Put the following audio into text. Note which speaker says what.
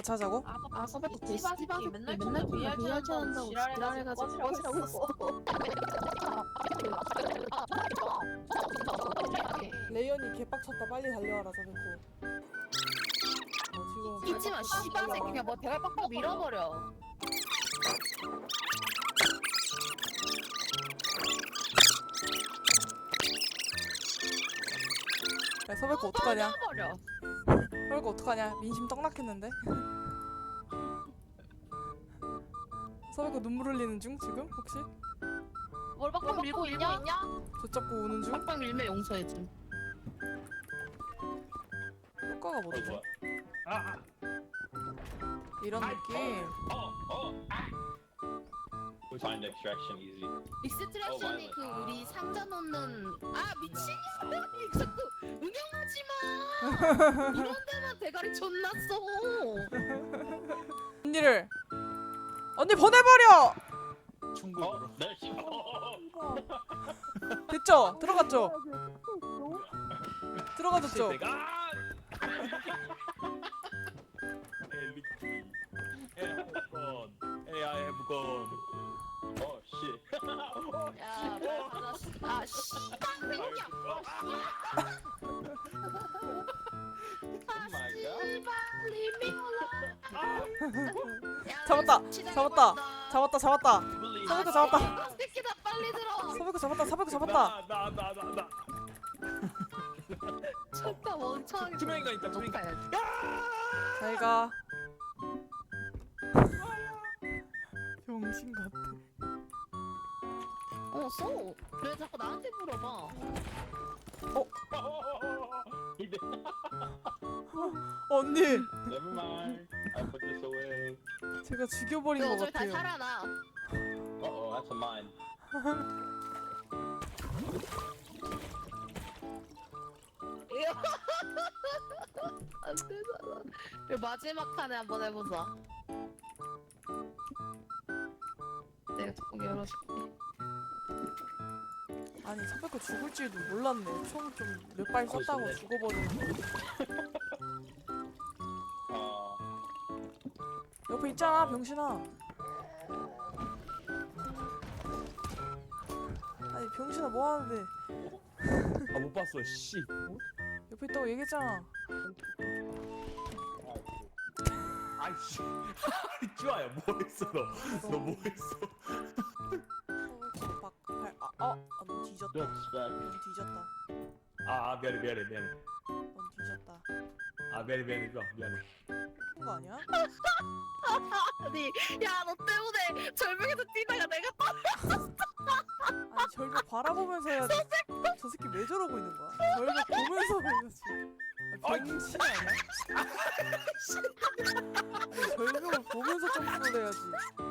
Speaker 1: 같이 하자고?
Speaker 2: 서백도
Speaker 3: 씨바새끼 맨날 VR
Speaker 2: VR
Speaker 3: 켜놓는다고
Speaker 2: 지랄해가지고 꺼지라고 했어.
Speaker 1: 레이언이 개빡쳤다. 빨리 달려와라 저렇고. 지금
Speaker 2: 잊지마 씨발새끼 그냥 뭐 대가 빡빡 밀어버려.
Speaker 1: 야 서백호 어떡하냐?
Speaker 2: 밀어버려.
Speaker 1: 서백호 어떡하냐? 민심 떡락했는데? 서백호 눈물 흘리는 중 지금 혹시?
Speaker 2: 뭘 빡빡 밀고 있냐?
Speaker 1: 저 잡고 우는 중?
Speaker 2: 빡빡 밀면 용서해줌.
Speaker 1: 효과가 뭐지? 이런 느낌.
Speaker 4: We find extraction easy.
Speaker 2: 익스트랙션이 그 우리 상자 놓는 미친년아 자꾸 응용하지마. 이런 데만 대가리 존나 써.
Speaker 1: 언니를 언니 보내버려.
Speaker 4: 충분으로. There she
Speaker 1: 됐죠? 들어갔죠? 들어가졌죠?
Speaker 4: Hey, I have gone. Oh shit.
Speaker 2: 야, 아 씨발 생겨.
Speaker 4: Oh my god.
Speaker 2: 씨발 리미올라.
Speaker 1: 잡았다. 잡았다. 잡았다. 잡았다. 서백호 잡았다.
Speaker 2: 새끼다 빨리 들어.
Speaker 1: 서백호 잡았다. 서백호 잡았다.
Speaker 4: 나.
Speaker 2: 쳤다 멍청하게.
Speaker 4: 투명인간 있다, 투명인간.
Speaker 1: 잘가. 병신 같아.
Speaker 2: 써. 왜 자꾸 나한테 물어봐?
Speaker 4: He did.
Speaker 1: 언니,
Speaker 4: Never mind. I put this away.
Speaker 1: 제가 죽여버린
Speaker 2: 너
Speaker 1: 것
Speaker 2: 어차피 다시
Speaker 1: 같아요.
Speaker 2: 살아나.
Speaker 4: Uh-oh, that's a mine.
Speaker 2: 안 되잖아. 그리고 마지막 칸에 한번 해보자. 내가 조금 열어줄게.
Speaker 1: 아니, 서백호 죽을 줄도 몰랐네. 총 좀 몇 발 썼다고
Speaker 4: 좋네.
Speaker 1: 죽어버리는 거. 옆에 있잖아, 병신아. 아니, 병신아 뭐 하는데?
Speaker 5: 못 봤어. 씨.
Speaker 1: 옆에 있다고 얘기했잖아.
Speaker 5: 아이씨. 쭈아야 뭐 했어 너? 너 뭐 했어?
Speaker 1: 서백호 넌 뒤졌다.
Speaker 4: Don't expect.
Speaker 1: 넌 뒤졌다.
Speaker 5: 미안해.
Speaker 1: 넌 뒤졌다.
Speaker 5: 미안해.
Speaker 1: 그런 거 아니야?
Speaker 2: 아니, 야, 너 때문에 절벽에서 뛰다가 내가
Speaker 1: 아니, 절벽 바라보면서 해야지. 저 새끼 왜 저러고 있는 거야? 절벽 보면서 해야지. 병신 아니야? 아니, 절벽을 보면서 점프를 해야지.